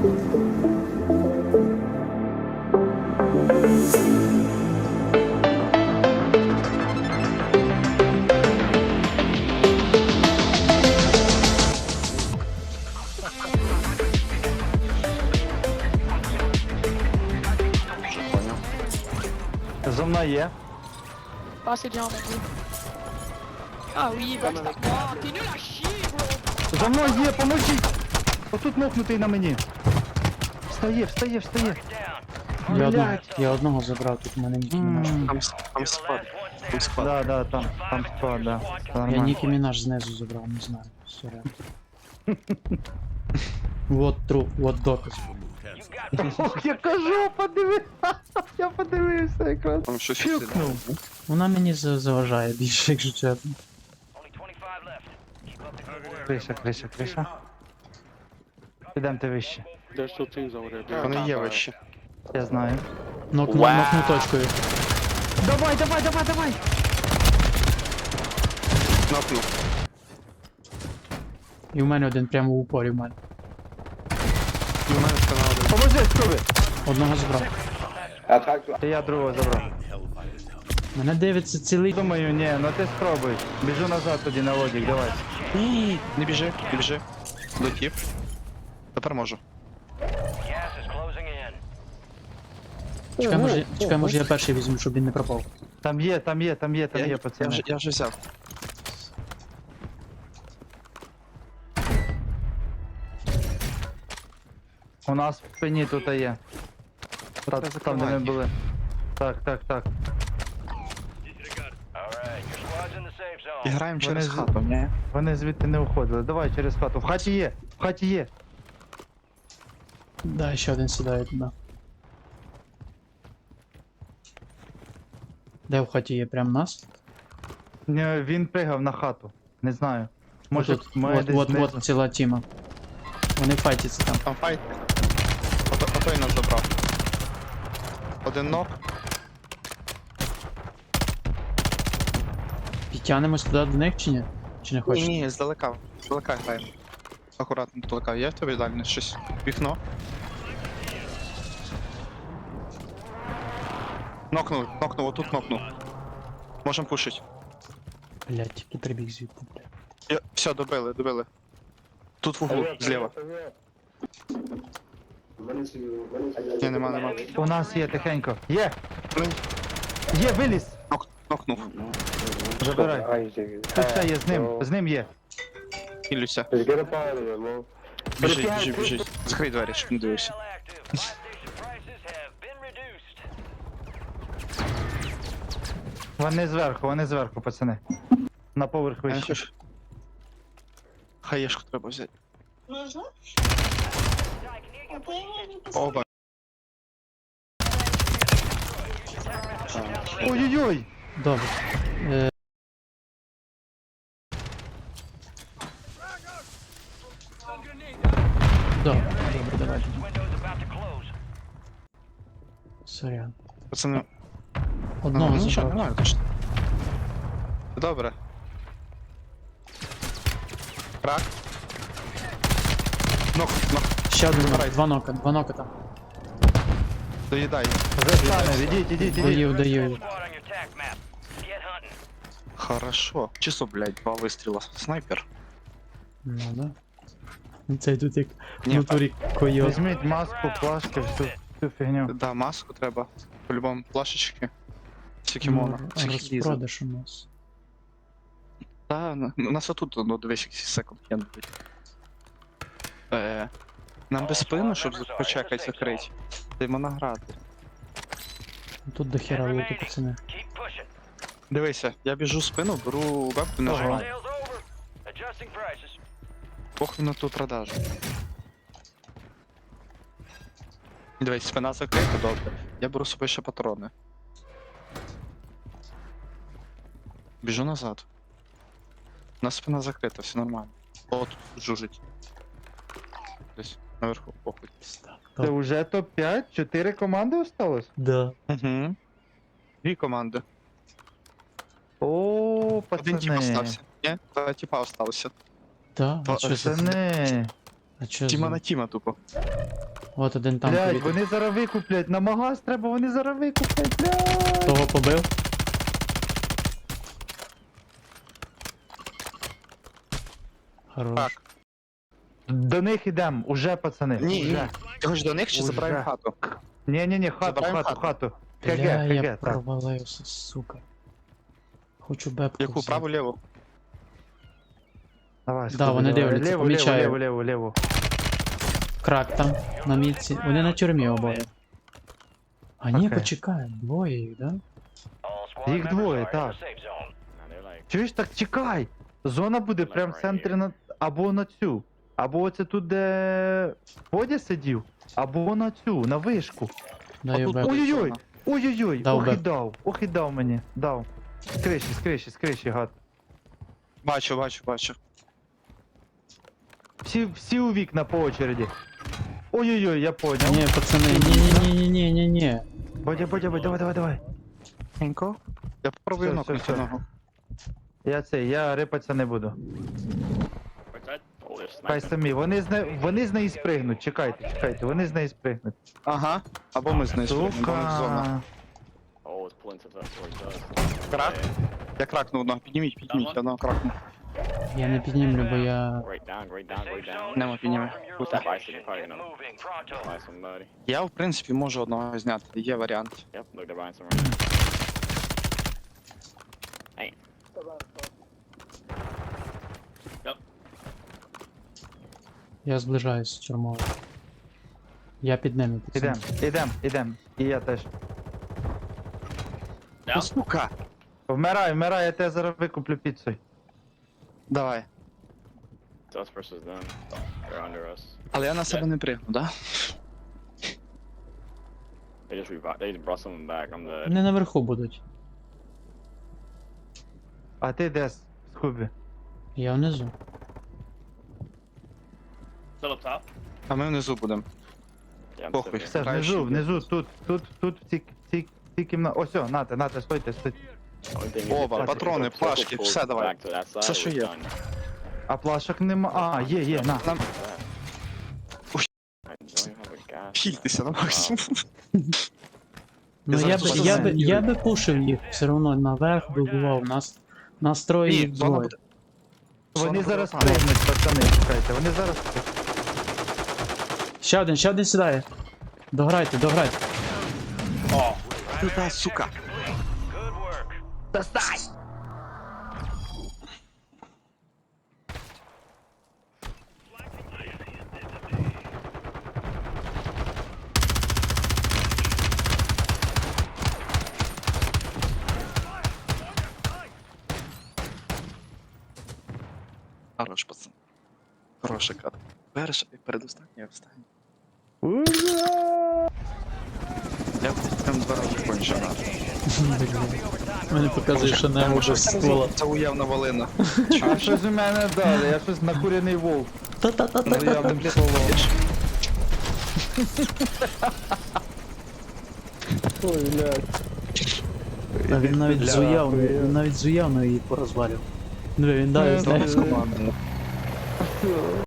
За мною є. Ah, c'est bien, mon dieu. Ah oui, backstab. Oh, t'es nul à chier, bro. За мною є, поможіть! Отут мокнутий на мені. Встає, встає, встає. Я одного забрав, тут у мене Нікі Мінаж. Там склад. Там склад. Да, там склад, да. Це Я нормально. Нікі Мінаж знизу забрав, не знаю. Сорян. Вот труп, вот доказ. Ох, я кажу, подиви! Я подивився якраз. Там щось Фюкнув. Вона мені заважає більше, якщо чесно. Криша. Підемте вище. There's two things over there. Вони є вищі. Я знаю. Нокну точкою. Давай! Нокнув. І в мене один прямо в упорі в мене. І у мене спина один. Поможи, скуби! Одного забрав. І я другого забрав. Мене дивиться цілий. Думаю, ні, ну ти спробуй. Біжу назад тоді на лодік, давай. Ні, не біжи, не біжи. Дотіп. Тепер можу. Чекай, може я перший візьму, щоб він не пропав. Там є, пацани. Я вже взяв. У нас в спині тут є. Там, де ми були. Так. І граємо через Вони з- хату, ні? Вони звідти не уходили. Давай через хату. В хаті є. Да, ще один сідає туди. Де в хаті є? Прям нас? Ні, він пригав на хату. Не знаю. Може, Тут, має десь знизу. вот ціла тіма. Вони файтяться там. Там файт. Отой нас забрав. Один нок. Підтягнемось туди до них чи ні? Чи не хочеш? Ні, здалека. Здалека граємо. Акуратно здалека. Є в тебе далі щось? Вікно. Нокнув, отут нокнув. Можем пушить. Блять, тільки прибіг звідти. Все, добили. Тут в углу, зліва. Ні, нема. У нас є тихенько. Є! Ну. Є, виліз! Нокнув. Забирай. Тут ще є, з ним є. Ілюся. Біжи. Закрий двері, щоб не дивився. Вони зверху, пацани. На поверх Я не вище. хочу. Хаєшку треба взяти. Оба. Ой-ой-ой! Добре. Добре, давай. Сорян. Пацани. Одного Нічого, забрав. нормально, точно. Добре. Крак. Нок. Ще один нок, два нока там. Доїдай. Застане, ідіть. Доїв. Хорошо. Чисто, блядь, 2 вистріла. Снайпер. Ну да. Цей тут як в Ні, натурі койот. Візьміть маску, плашки, всю фігню. Да, маску треба. По-любому плашечки. Всякі моно. Всякі лізи. Розпродаж у нас. Та, у нас отут, ну, дивись, якийсь секонд-хенд буде. Нам без спину, щоб почекати закрити. Йдемо награти. Тут до хера луту, пацани. Дивися, я біжу спину, беру вебку і нажимаю. Похуй на ту продажу. Дивись, спина закрита, добре. Я беру з собою ще патрони. Біжу назад. У нас спина закрита, все нормально. О, тут жужить. Десь наверху, похуй. Це вже топ-5? 4 команди осталось? Да. Угу. 2 команди. О, Один тип пацани. остався. Ні? 2 типа осталося. Да? А Та- чо це? Пацани. А чо Тіма за... на тіма тупо. От один там Блядь, повітря. вони зараз викуплять, на магаз треба, вони зараз викуплять, блядь. Того побив. Хорош. Так. До них ідем, уже, пацани. Ні, ні. уже. Ти хочеш до них чи Уже. забираємо хату? Ні, хату, Забираємо хату, хату. хату. Бля, я КГ, так. провалився, сука. Хочу бепку Яку, взяти. праву, ліву? Давай, Да, вони давай. дивляться, Ліву, помічаю. ліву. Крак там, на мітці. Вони на тюрмі обоє. А ні, Окей. почекай, двоє їх, да? Їх двоє, так. Чуєш, так чекай. Зона буде прям в центрі на... або на цю. Або оце тут, де Бодя сидів, або на цю, на вишку. Даю Отут бепку. буде Ой-ой-ой, зона. ой-ой-ой, Дав ох і дав мені, дав. З криші, гад. Бачу. Всі у вікна по очереді. Ой-ой-ой, я понял. Ні, пацани, ні. Бодя, давай. Тихенько. Я попробую Все, нокнути все. одного. Я рипатися не буду. Хай самі, вони з неї спригнуть, чекайте, вони з неї спригнуть. Ага. Або ми знизу. Зона. Сука. Крак? Я кракнув одного. Підніміть, одного кракнув. Я не піднімлю, бо я... Нема підніме. Я, в принципі, можу одного зняти. Є варіант. Я зближаюсь з тюрмою. Я під ними, пацани. Ідем. І я теж. О, сука! Вмирай, я тебе зараз викуплю піцею. Давай. Us versus them. They're under us. Але я на себе не пригну, да? They just brought someone back. I'm the. Вони наверху будуть. А ти де з Хубі? Я внизу. Still up top. А ми внизу будемо. Yeah, I'm Похуй. sitting here. Все, Краще внизу, тут, в цій кімнаті. Ось, нате, стойте. Only thing is Оба, if патрони, the circle плашки, pulls все давай. back to that side, Все, що we're є. done. А плашок нема. А, є, на. Нам I don't even have a gas. хільтися на максимум. Ну зараз тут я би пушив їх все одно наверх вибивав. Нас троє Ні, їх зона двоє. буде. Вони Зона зараз буде там. пригнуть, пацани, чекайте, вони зараз... Ще один сідає. Дограйте. Туди, сука. Хорош, пацан. Хороша карта. Перша і передостання, остання. Я прям 2 рази кончив. Мені показує, що не може скола. Це уявна волина. А щось у мене дали, я щось накурений вовк. Та-та-та-та. Уявним словом. Ой, блядь. А він навіть Бля, зуяв, хуя. він навіть зуявно її порозвалював. Ну він дає, знаєш. Команда.